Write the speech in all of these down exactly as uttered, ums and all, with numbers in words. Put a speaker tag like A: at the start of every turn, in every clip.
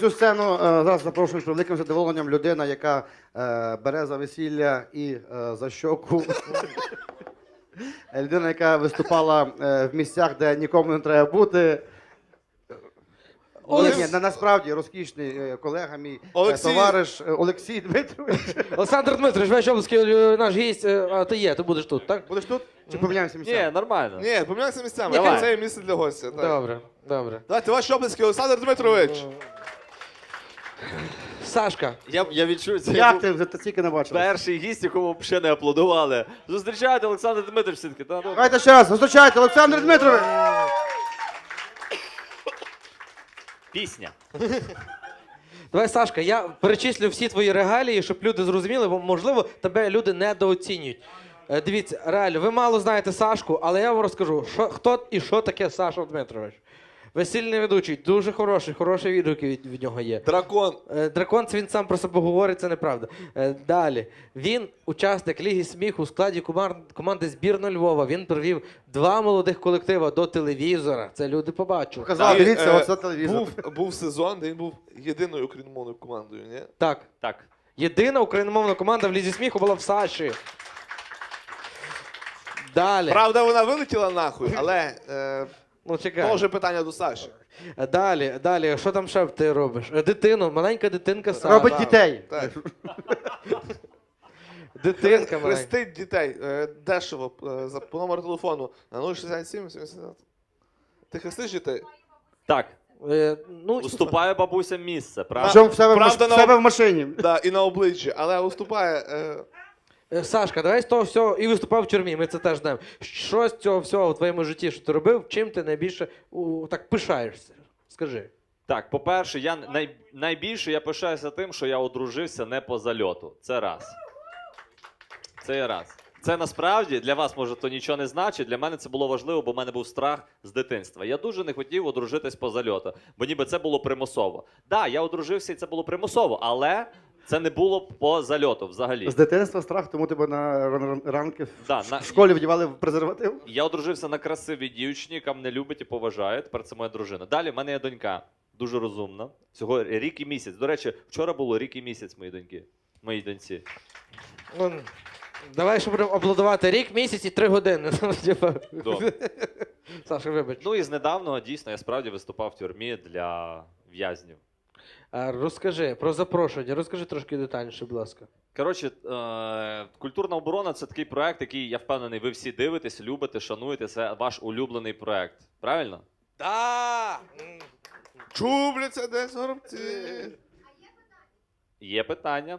A: Цю сцену е, зараз запрошую з великим задоволенням людина, яка е, бере за весілля і е, за щоку. Людина, яка виступала е, в місцях, де нікому не треба бути.
B: Олекс-
A: Ні, на, насправді розкішний е, колега, мій е,
B: Олексій-
A: товариш е, Олексій Дмитрович.
C: Олександр Дмитрович, ваш облаский е, наш гість, е, а ти є, ти будеш тут, так?
A: Будеш тут? Чи поміняємося місцями?
D: Ні, нормально.
B: Ні, помінялися місцями.
D: Давай.
B: Це є місце для гостя. Так.
C: Добре, добре.
B: Давайте ваші оплески, Олександр Дмитрович.
C: Сашка,
D: Я, я відчую, це
A: Як
D: був
A: ти вже стільки не бачив?
D: перший гість, якому ще не аплодували. Зустрічайте Олександр Дмитрович все-таки. Та, ну.
A: Давайте ще раз, зустрічайте, Олександр Дмитрович!
D: Пісня.
C: давай, Сашка, я перечислю всі твої регалії, щоб люди зрозуміли, бо, можливо, тебе люди недооцінюють. Е, Дивіться, реально, ви мало знаєте Сашку, але я вам розкажу, що, хто і що таке Саша Дмитрович. Весільний ведучий, дуже хороший, хороші відгуки від, від нього є.
B: Дракон.
C: Е, Дракон, це він сам про себе говорить, це неправда. Е, Далі. Він учасник Ліги сміху у складі команд- команди збірної Львова. Він привів два молодих колектива до телевізора. Це люди побачили.
A: Показав,
B: І,
A: дивіться,
B: е,
A: оце телевізор.
B: Був, був сезон, де він був єдиною україномовною командою, ні?
C: Так.
D: Так.
C: Єдина україномовна команда в Лізі сміху була в Саші. Далі.
B: Правда, вона вилетіла нахуй, але е,
C: Ну,
B: то
C: чекай.
B: вже питання до Саші.
C: Далі, далі. Що там ще ти робиш? Е, Дитину, маленька дитинка Саша.
A: Робить дітей.
B: Так.
C: Дитинка маленька.
B: Хрестить дітей е, дешево е, за, по номеру телефону на нуль шістдесят сім сімдесят. Ти хрестиш дітей?
D: Так.
C: Е, ну,
D: Уступає бабусям місце, правда?
A: Що в себе, в,
B: Правда,
A: маш...
B: на
A: в себе
B: об-
A: в машині.
B: Да, і на обличчі, але уступає. Е,
C: Е, Сашка, давай з того всього і виступав в тюрмі, ми це теж знаємо. Що з цього всього в твоєму житті, що ти робив, чим ти найбільше у, так пишаєшся? Скажи.
D: Так, по-перше, я най... найбільше я пишаюся тим, що я одружився не по зальоту. Це раз. Це є раз. Це насправді для вас, може, то нічого не значить. Для мене це було важливо, бо в мене був страх з дитинства. Я дуже не хотів одружитись по зальоту, бо ніби це було примусово. Так, да, я одружився і це було примусово, але це не було по зальоту взагалі.
A: З дитинства страх, тому тебе на ран- ранки в,
D: Да,
A: ш-
D: на-
A: в школі вдівали в презерватив.
D: Я одружився на красивій дівчині, яка мене любить і поважає. Тепер це моя дружина. Далі в мене є донька, дуже розумна. Всього рік і місяць. До речі, вчора було рік і місяць моїй доньки. Моїй доньці.
C: Ну, давай ще будемо аплодувати рік, місяць і три години.
D: Добре.
C: Саша, вибач.
D: Ну і з недавнього дійсно я справді виступав в тюрмі для в'язнів.
C: А, розкажи про запрошення, розкажи трошки детальніше, будь ласка.
D: Коротше, е- культурна оборона це такий проект, який я впевнений, ви всі дивитесь, любите, шануєте. Це ваш улюблений проект. Правильно?
C: Да!
B: чубляться десь горобці.
D: Є питання.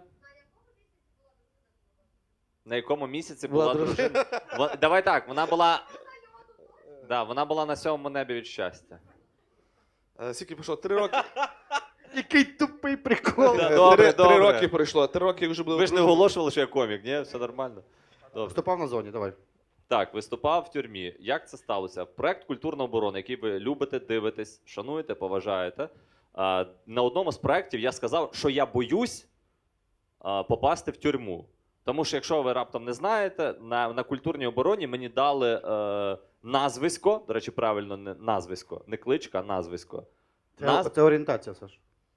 D: На якому місяці
C: Була
D: була
C: дружина.
D: дружина? Во- Давай так, вона була. Да, вона була на сьомому небі від щастя.
B: Е, Скільки пройшло? Три роки.
A: Який тупий прикол.
D: Да,
B: Е,
D: добре,
B: три, три
D: добре.
B: роки пройшло. Три роки вже було.
D: Ви ж не оголошували, що я комік, ні? Все нормально. Добре.
A: Вступав на зоні, давай.
D: Так, виступав в тюрмі. Як це сталося? Проект культурна оборона, який ви любите, дивитесь, шануєте, поважаєте. А, на одному з проєктів я сказав, що я боюсь а, попасти в тюрму. Тому що, якщо ви раптом не знаєте, на, на культурній обороні мені дали е, назвисько, до речі, правильно, не назвисько, не кличка, а назвисько.
A: Це,
D: Наз...
A: це орієнтація, Саш.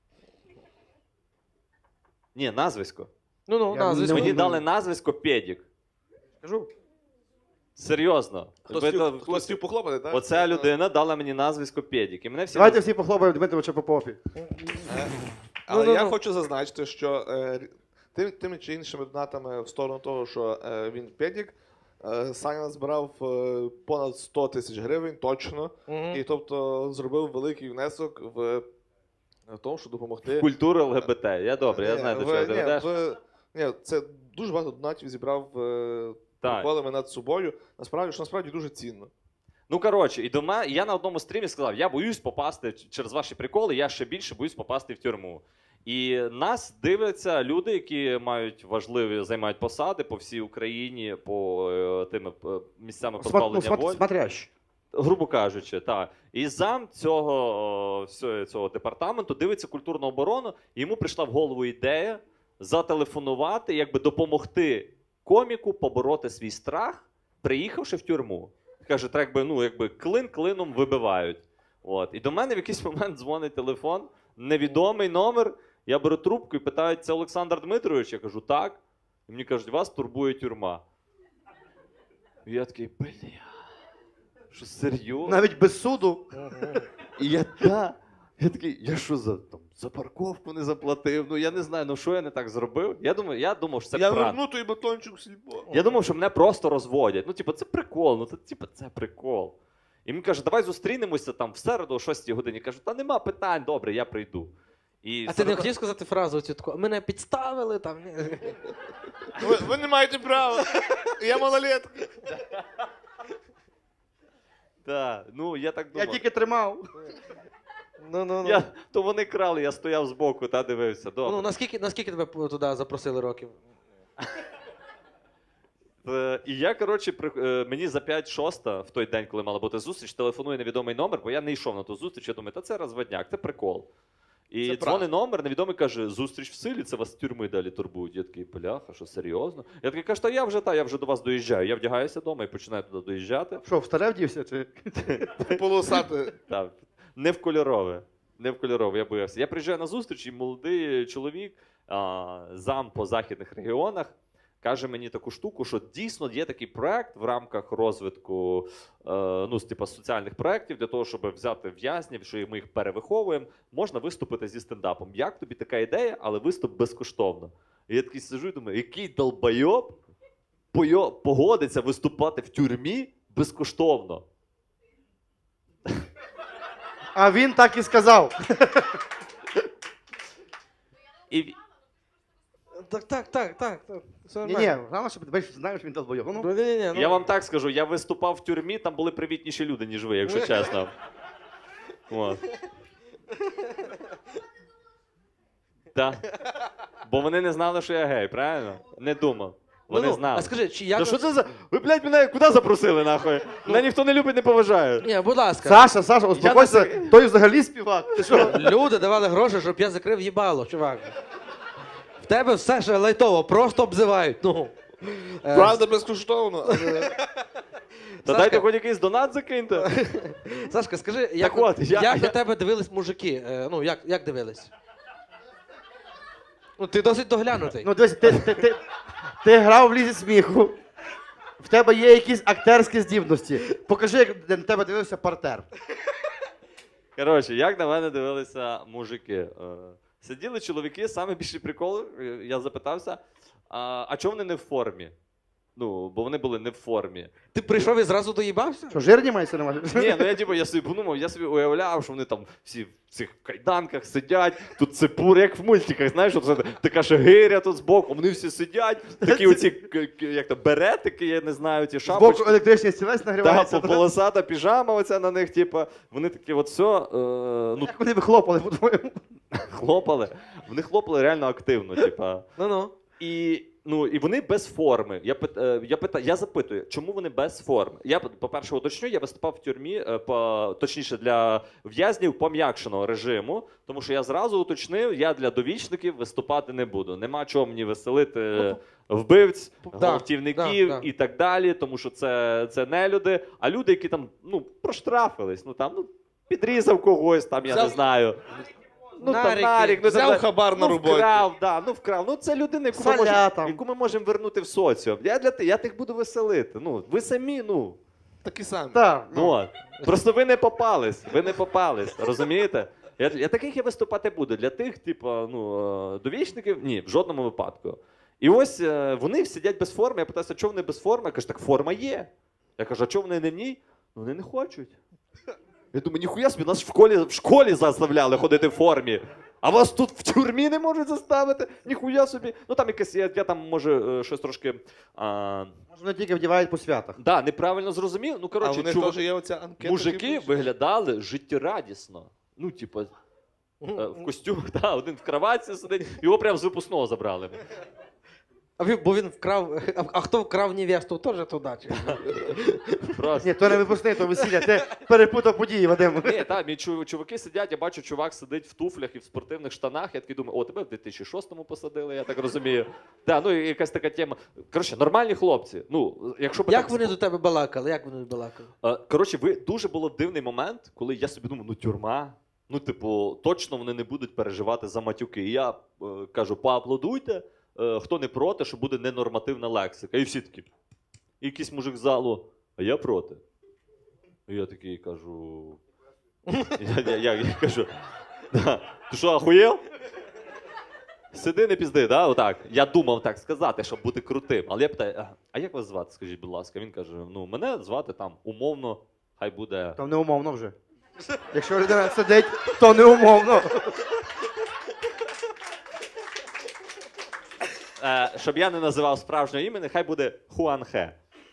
D: Ні, назвисько.
C: Ну, ну,
A: Я
C: на,
A: не
C: звісно.
D: Мені
A: ну,
D: дали назвисько Педік.
A: Скажу.
D: Серйозно.
B: Хтось
D: Ви-
B: хотів- Хтось хотів похлопати, так?
D: Оця людина дала мені назвисько Педік. І мене всі
A: Давайте всі похлопаємо Дмитровича по попі.
B: Але
C: Ну, ну,
B: я
C: ну.
B: хочу зазначити, що е, тим, тими чи іншими донатами в сторону того, що е, він педік, е, Саня збирав е, понад сто тисяч гривень точно.
C: Мгм.
B: І тобто зробив великий внесок в, в тому, щоб допомогти.
D: культури ЛГБТ. Я добре, я
B: Ні,
D: знаю, до
B: в-
D: чого ти
B: ні,
D: ведеш.
B: в- Ні, це дуже багато донатів зібрав е,
D: Так.
B: приколами над собою. Насправді, що насправді дуже цінно.
D: Ну коротше, і до мене я на одному стрімі сказав: я боюсь попасти ч- через ваші приколи, я ще більше боюсь попасти в тюрму. І нас дивляться люди, які мають важливі займають посади по всій Україні, по е, тими е, місцями
A: Сма- ну,
D: позбавлення
A: сма-
D: волі.
A: Смотрящий.
D: Грубо кажучи, так. І зам цього, о, всього цього департаменту дивиться культурну оборону, і йому прийшла в голову ідея зателефонувати, якби допомогти коміку побороти свій страх, приїхавши в тюрму. Каже, так якби, ну, якби клин клином вибивають. От. І до мене в якийсь момент дзвонить телефон Невідомий номер. Я беру трубку і питаю, це Олександр Дмитрович? Я кажу, так. І мені кажуть, вас турбує тюрма. І я такий, бля, що серйозно?
A: Навіть без суду.
D: І я, та, я такий, я що за, там, за парковку не заплатив? Ну я не знаю, ну що я не так зробив? Я думаю, я думав, що це
B: Я
D: пранк.
B: верну той батончик в сільпо.
D: Я думав, що мене просто розводять. Ну, типу, це прикол, ну це типу, це прикол. І він каже, давай зустрінемося там в середу о шостій годині. Кажу, та нема питань, добре, я прийду. І
C: А ти не
D: середа-
C: хотів сказати фразу цю таку, мене підставили там. ні?»
B: Ви, ви не маєте права. Я малолетка.
D: Так, ну я так
A: Я
D: думав.
A: тільки тримав.
C: Ну, ну, ну.
D: Я, то вони крали, я стояв збоку та дивився. Добре.
C: Ну, наскільки, наскільки тебе п- туди запросили років?
D: Е, І я, коротше, при... е, мені за п'ять шоста, в той день, коли мала бути зустріч, телефонує невідомий номер, бо я не йшов на ту зустріч. Я думаю, та це розводняк, це прикол. І
B: Це
D: дзвонить номер, невідомий каже, зустріч в силі, це вас з тюрми далі турбують. Я такий, бляха, що серйозно? Я такий, кажу, та я вже та, я вже до вас доїжджаю. Я вдягаюся вдома і починаю туди доїжджати.
A: Що, в старе вдівся? Чи?
B: Полосати.
D: Так, не в кольорове. Не в кольорове, я боявся. Я приїжджаю на зустріч, і молодий чоловік, а, зам по західних регіонах, каже мені таку штуку, що дійсно є такий проект в рамках розвитку е, ну, з, типу, соціальних проєктів для того, щоб взяти в'язнів, що ми їх перевиховуємо, можна виступити зі стендапом. Як тобі така ідея, але виступ безкоштовно. І я такий сиджу і думаю, який долбайоб пойо- погодиться виступати в тюрмі безкоштовно.
A: А він так і сказав.
D: І,
C: Так, так, так, так. так. Все
A: Ні, ні, головне, щоб ти знаєш, що він долбойов. Ну,
C: Ну, ні, ні, ні, ну.
D: Я вам так скажу, я виступав в тюрмі, там були привітніші люди, ніж ви, якщо чесно. От. Так. Бо вони не знали, що я гей, правильно? Не думав. Вони
C: Ну, ну,
D: знали.
C: А скажи, чи як...
D: Та що це за. Ви, блядь, мене куди запросили, нахуй? Мене ніхто не любить, не поважає.
C: Ні, будь ласка.
A: Саша, Саша, успокойся, той взагалі співак. Ти що?
C: Люди давали гроші, щоб я закрив їбало, чувак. В тебе все ще лайтово, просто обзивають. Ну. Е,
B: Правда, безкоштовно. але-
D: Та
C: Сашка.
D: дайте хоч якийсь донат закиньте.
C: Сашка, скажи, як,
D: от, я-
C: як
D: я-
C: на тебе дивились мужики? Е, ну, як, як дивились? Ну, ти досить доглянутий.
A: Ну, дивись, ти, ти, ти, ти грав в лізі сміху. В тебе є якісь актерські здібності. Покажи, як на тебе дивився партер.
D: Коротше, як на мене дивилися мужики. Е, Сиділи чоловіки, саме більший прикол, е, я запитався, а, а чого вони не в формі? Ну, бо вони були не в формі.
C: Ти прийшов і зразу доїбався?
A: Що, жирні мається на увазі?
D: Ні, ну я типу, я собі подумав, я собі уявляв, що вони там всі в цих кайданках сидять, тут цепур, як в мультиках, знаєш, от це така шагиря тут збоку, вони всі сидять, такі оці, к- к- як то, беретики, я не знаю, ті
A: Збоку
D: шапочки.
A: електричний стілець
D: Та,
A: нагрівається.
D: по- полосата піжама оця на них, типу, вони такі от все, е, ну,
A: Як вони вихлопали, по-твоєму?
D: хлопали. Вони хлопали реально активно, типа.
C: Ну-ну.
D: І, ну, і вони без форми. Я, пит, е, я, пита, я запитую, чому вони без форми? Я, по-перше, уточню, я виступав в тюрмі, е, по, точніше, для в'язнів пом'якшеного режиму, тому що я зразу уточнив, я для довічників виступати не буду. Нема чого мені веселити вбивць,
C: Да,
D: гвалтівників
C: да, да.
D: і так далі, тому що це, це не люди, а люди, які там ну, проштрафились, ну там ну, підрізав когось, там, я не
B: Взяв-
D: знаю. Ну, там
C: Нарики.
D: нарік, ну,
B: Взяв
D: там,
B: хабар на
D: ну,
B: роботі.
D: вкрав, да, ну вкрав. Ну це людина, яку ми,
A: Соля
D: можемо,
A: там.
D: яку ми можемо вернути в соціум. Я для ти- я тих буду веселити. Ну, ви самі, ну.
B: Такі самі.
A: Так.
D: Ну, от. Просто ви не попались. Ви не попались. Розумієте? Я, я таких я виступати буду. Для тих, типу, ну, е, довічників, ні, в жодному випадку. І ось е, вони сидять без форми. Я питаюся, чого вони без форми? Я кажу, так форма є. Я кажу, а чого вони не в ній? Ну, вони не хочуть. Я думаю, ніхуя собі, нас в школі, в школі заставляли ходити в формі. А вас тут в тюрмі не можуть заставити? Ніхуя собі. Ну там якесь, я, я там може е, щось трошки. А,
A: Може, вони тільки вдівають по святах.
D: да, неправильно зрозумів. Ну,
B: А
D: коротше,
B: в них
D: чувак-
B: теж є оця анкета.
D: мужики
B: типу,
D: виглядали життєрадісно. Ну, типу, е, в костюмах, да, один в кроватці сидить, його прямо з випускного забрали.
C: А він, бо він вкрав. А, а хто вкрав невесту, теж туди. чи?
D: Просто.
A: Ні, то не випускний, то весілля. Ти перепутав події, Вадим.
D: Ні, так, мій чу- чуваки сидять, я бачу, чувак сидить в туфлях і в спортивних штанах. Я такий думаю, о, тебе в дві тисячі шостому посадили, я так розумію. Да, ну і якась така тема. Коротше, нормальні хлопці. Ну, якщо б
C: Як
D: так...
C: вони до тебе балакали? Як вони балакали?
D: Е, Коротше, ви дуже було дивний момент, коли я собі думав, ну тюрма. Ну, типу, точно вони не будуть переживати за матюки. І я е, кажу, поаплодуйте, е, хто не проти, що буде ненормативна лексика. І всі такі. І якийсь мужик з залу, а я проти. І я такий кажу. Я, я, я, я кажу, да. Ти що, ахуєв? Сиди, не пізди, да? Отак. Я думав так сказати, щоб бути крутим. Але я питаю, а, а як вас звати, скажіть, будь ласка? Він каже: ну, мене звати там умовно, хай буде.
A: Там не умовно вже. Якщо людина сидить, то не умовно.
D: Е, щоб я не називав справжнього імені, хай буде Хуанхе.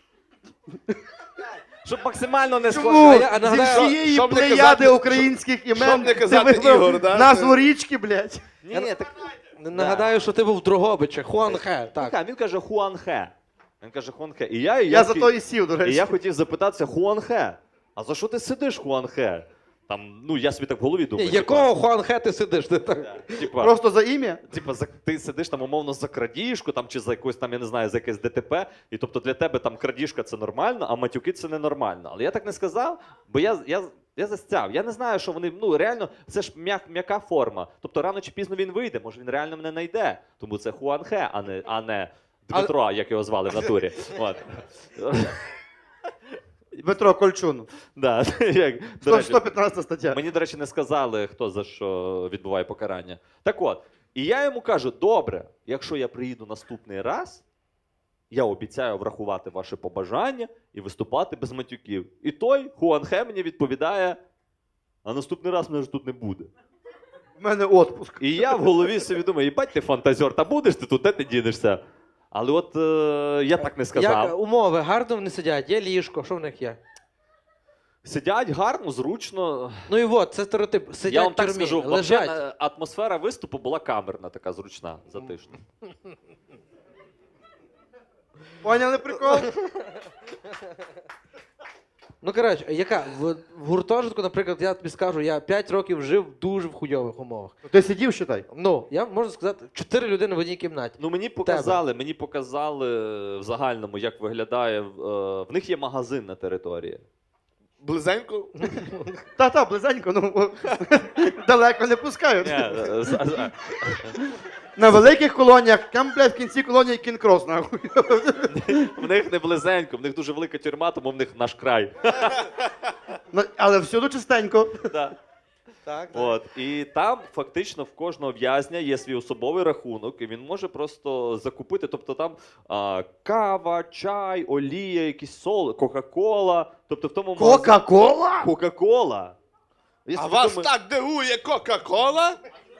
D: Щоб максимально не
A: Чому?
D: схоже.
C: я
A: Зі
C: нагадаю,
A: всієї
B: щоб не
A: плеяди
B: казати-
A: українських імен
B: щоб не
A: ти
B: казати
A: вибрав
B: Ігор, да?
A: назву річки, блядь.
D: Ні, ні, так.
C: Нагадаю, що ти був в Дрогобичах, Хуанхе. Так.
D: Так, він каже Хуанхе. Він каже Хуанхе. І я, і я,
A: Я за
D: такий-
A: то і сів, до
D: І
A: речі.
D: я хотів запитатися, Хуанхе, а за що ти сидиш, Хуанхе? Там, ну, я собі так в голові думаю.
C: Якого Хуанхе ти сидиш? Ти так?
D: Типа, типа,
A: Просто за ім'я?
D: типа, за, ти сидиш там умовно за крадіжку, там, чи за якусь там, я не знаю, за якесь ДТП, і тобто для тебе там крадіжка це нормально, а матюки це ненормально. Але я так не сказав, бо я, я, я застяв. Я не знаю, що вони, ну реально, це ж м'як, м'яка форма. Тобто рано чи пізно він вийде, може він реально мене знайде. Тому це Хуанхе, а не, а не Дмитро, як його звали в натурі. От.
A: Дмитро Кольчун.
D: Да, як, до
A: сто-
D: речі,
A: сто п'ятнадцята стаття.
D: Мені, до речі, не сказали, хто за що відбуває покарання. Так от, і я йому кажу: добре, якщо я приїду наступний раз, я обіцяю врахувати ваше побажання і виступати без матюків. І той Хуанхе мені відповідає: а наступний раз мене ж тут не буде.
A: У мене отпуск.
D: І я в голові собі думаю, їбать ти фантазер, та будеш ти тут, де ти дінешся? Але от е, я так не сказав.
C: Як умови гарно вони сидять, є ліжко, що в них є?
D: Сидять гарно, зручно.
C: Ну і от, це стереотип. Сидять
D: Я вам
C: в
D: так
C: тюрмі,
D: скажу,
C: лежать.
D: вообще, е, атмосфера виступу була камерна, така зручна, затишна.
A: Поняли прикол?
C: Ну, коротше, яка? В, в гуртожитку, наприклад, я тобі скажу, я п'ять років жив дуже в хуйових умовах.
A: Ти сидів, считай.
C: Ну, я можу сказати, чотири людини в одній кімнаті.
D: Ну мені показали, мені показали в загальному, як виглядає. е, В них є магазин на території.
B: Близенько?
A: Та-та, близенько, ну далеко не пускають.
D: Ні, е, з- з-
A: На великих колоніях, там, блядь, в кінці колонії кінкрос, нахуй.
D: В них не близенько, в них дуже велика тюрма, тому в них наш край.
A: Ну, але всюди чистенько.
D: Да.
B: Так,
D: От. І там фактично в кожного в'язня є свій особовий рахунок, і він може просто закупити. Тобто там а, кава, чай, олія, якісь сол, Кока-Кола. Тобто в тому магазині-
A: Кока-кола?
D: Кока-Кола. Я
B: А
D: собі
B: вас
D: думаю,
B: так дивує Кока-Кола?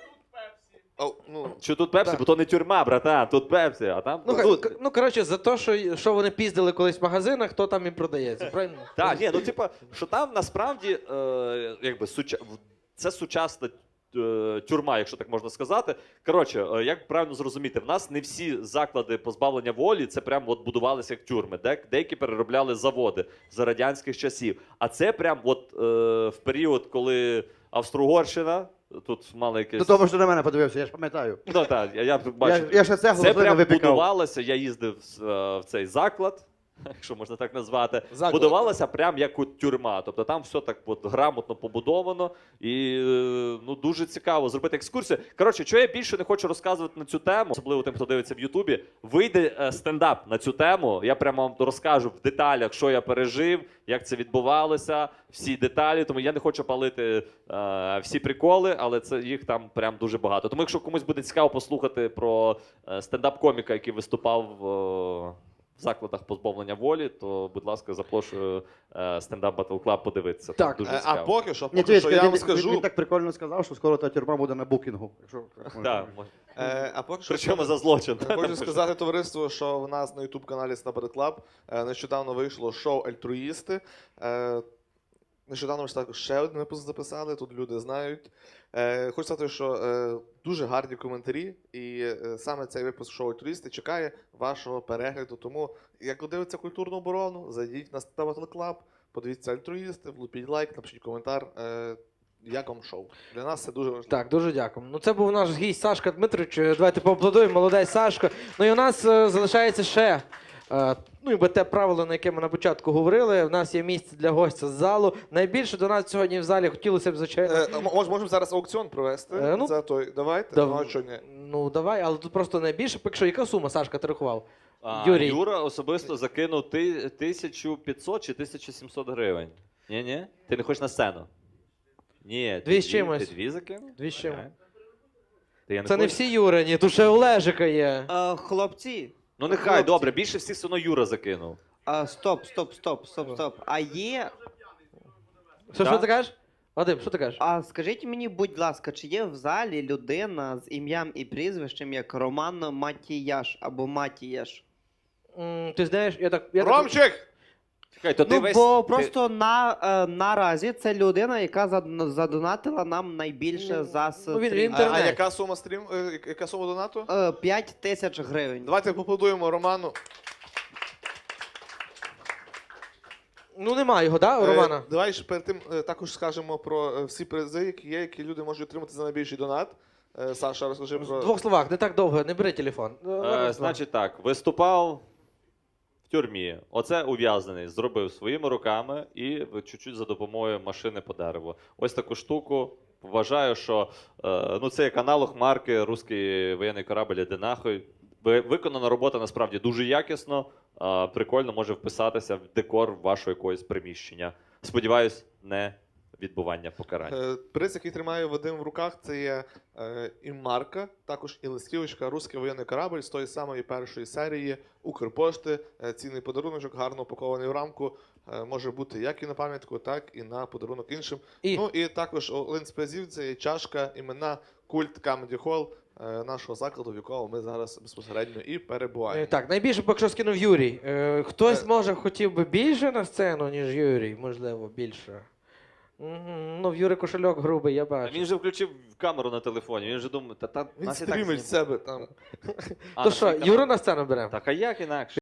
B: О, ну,
D: Що тут Пепсі,
C: Так.
D: бо то не тюрма, братан, тут Пепсі, а там.
C: Ну,
D: ну,
C: к- ну коротше, за те, що, що вони піздили колись в магазинах, то там і продається. Правильно?
D: Так, ні, ну типа, що там насправді е, якби суча... в- це сучасна е, тюрма, якщо так можна сказати. Коротше, е, як правильно зрозуміти, в нас не всі заклади позбавлення волі це прям от будувалися як тюрми. Де, деякі переробляли заводи за радянських часів. А це прям от е, в період, коли Австро-Угорщина, тут мали якесь.
A: До того, що на мене подивився, я ж пам'ятаю.
D: Ну так, я, я бачу.
A: Я, я ще цеглу
D: Це
A: глину
D: прям
A: випікав.
D: будувалося, я їздив е, в цей заклад, якщо можна так назвати.
B: Заклад.
D: Будувалося прям як от тюрма. Тобто там все так от грамотно побудовано і е, ну, дуже цікаво зробити екскурсію. Коротше, що я більше не хочу розказувати на цю тему, особливо тим, хто дивиться в Ютубі. Вийде е, стендап на цю тему. Я прямо вам розкажу в деталях, що я пережив, як це відбувалося, всі деталі. Тому я не хочу палити е, всі приколи, але це їх там прям дуже багато. Тому якщо комусь буде цікаво послухати про е, стендап-коміка, який виступав е, в закладах позбавлення волі, то, будь ласка, запрошую е, Stand-Up Battle Club подивитися. Там
C: Так.
D: дуже
B: е, а
D: цікаво.
B: поки що,
A: Ні,
B: поки що
A: чуєш,
B: я
A: він,
B: вам
A: він,
B: скажу.
A: він так прикольно сказав, що скоро та тюрма буде на букінгу. Якщо,
D: Так,
B: Е, а поки що
D: причому за злочин.
B: хочу сказати товариству, що в нас на ютуб-каналі Stand Up Club е, нещодавно вийшло шоу Альтруїсти. Е, Нещодавно ж також ще один випуск записали, тут люди знають. Е, хочу сказати, що е, дуже гарні коментарі, і е, саме цей випуск шоу «Альтруїсти» чекає вашого перегляду. Тому, як дивиться культурну оборону, зайдіть на Stand Up Club, подивіться «Альтруїсти», влупіть лайк, напишіть коментар. Е, як вам шоу? Для нас це дуже важливо.
C: Так, дуже дякую. Ну, це був наш гість Сашка Дмитрович. Давайте поаплодуємо, молодець Сашко. Ну і у нас е, залишається ще е, Ну і бо те правило, на яке ми на початку говорили, в нас є місце для гостя з залу. Найбільше до нас сьогодні в залі хотілося б, звичайно.
B: Е, м- мож- можемо зараз аукціон провести
C: Е, ну,
B: за той. Давайте.
C: дав-
B: Ну, а що ні?
C: Ну давай, але тут просто найбільше. Поки що, яка сума, Сашка, ти рахував?
D: А,
C: Юрій.
D: Юра особисто закинув ти, тисячу п'ятсот чи тисячу сімсот гривень. Ні, ні? Ти не хочеш на сцену? Ні, ти
C: Дві з чимось.
D: Ти дві закинув?
C: Дві з чимось.
D: Ага. Ти я
C: Це не
D: хочу?
C: всі Юрині, тут ще Олежика є.
E: А, хлопці,
D: Ну нехай,
E: Хлопці.
D: добре, більше всіх все одно Юра закинув.
E: а, стоп, стоп, стоп, стоп, стоп. А є.
C: Що,
D: Да?
C: що ти кажеш? Вадим, що ти кажеш?
E: А скажіть мені, будь ласка, чи є в залі людина з ім'ям і прізвищем як Роман Матіяш або Матіяш?
C: М, Ти знаєш, я так. Я так...
B: Ромчик!
D: Чекай, то ти
E: Ну,
D: весь...
E: бо
D: ти-
E: просто на, е, наразі це людина, яка зад- задонатила нам найбільше за
C: ну, він-
E: стрім.
C: він
B: А, а
C: Інтернет.
B: яка сума стрім? е, я- Яка сума донату?
E: Е, П'ять тисяч гривень.
B: Давайте поаплодуємо Роману.
C: Ну нема його, да, у Романа?
B: Е, Давай ж перед тим е, також скажемо про е, всі призи, які є, які люди можуть отримати за найбільший донат. Е, Саша, розкажи
C: В
B: про.
C: двох словах, не так довго, не бери телефон.
D: Е,
C: Раз, два.
D: значить так, виступав в тюрмі. Оце ув'язнений, зробив своїми руками і в- чуть-чуть за допомогою машини по дереву. Ось таку штуку. Вважаю, що е, ну, це як аналог марки «Руський воєнний корабль, іди нахуй». Ви- Виконана робота насправді дуже якісно, е, прикольно може вписатися в декор вашого якогось приміщення. Сподіваюсь, не відбування покарання.
B: Е, Приз, який тримає Вадим в руках, це є е, і марка, також і листівочка «Руський воєнний корабль» з тої самої першої серії Укрпошти. Е, Цінний подарунок, гарно упакований в рамку. Е, Може бути як і на пам'ятку, так і на подарунок іншим.
C: І
B: Ну і також один з призів це є чашка імена Культ Comedy Hall е, нашого закладу, в якому ми зараз безпосередньо і
C: Е,
B: перебуваємо.
C: так, найбільше поки що скинув Юрій. Е, Хтось,
B: Е.
C: може, хотів би більше на сцену, ніж Юрій, можливо, більше. Мгм, Ну, в Юри кошельок грубий, я
D: А
C: бачу.
D: він же включив камеру на телефоні, він же думає, та, та
B: Він
D: нас і так
B: стрімить
D: знімають.
B: з себе там.
D: А,
C: То
D: на
C: що,
D: свій
C: Юру на сцену беремо?
D: Так, а як інакше?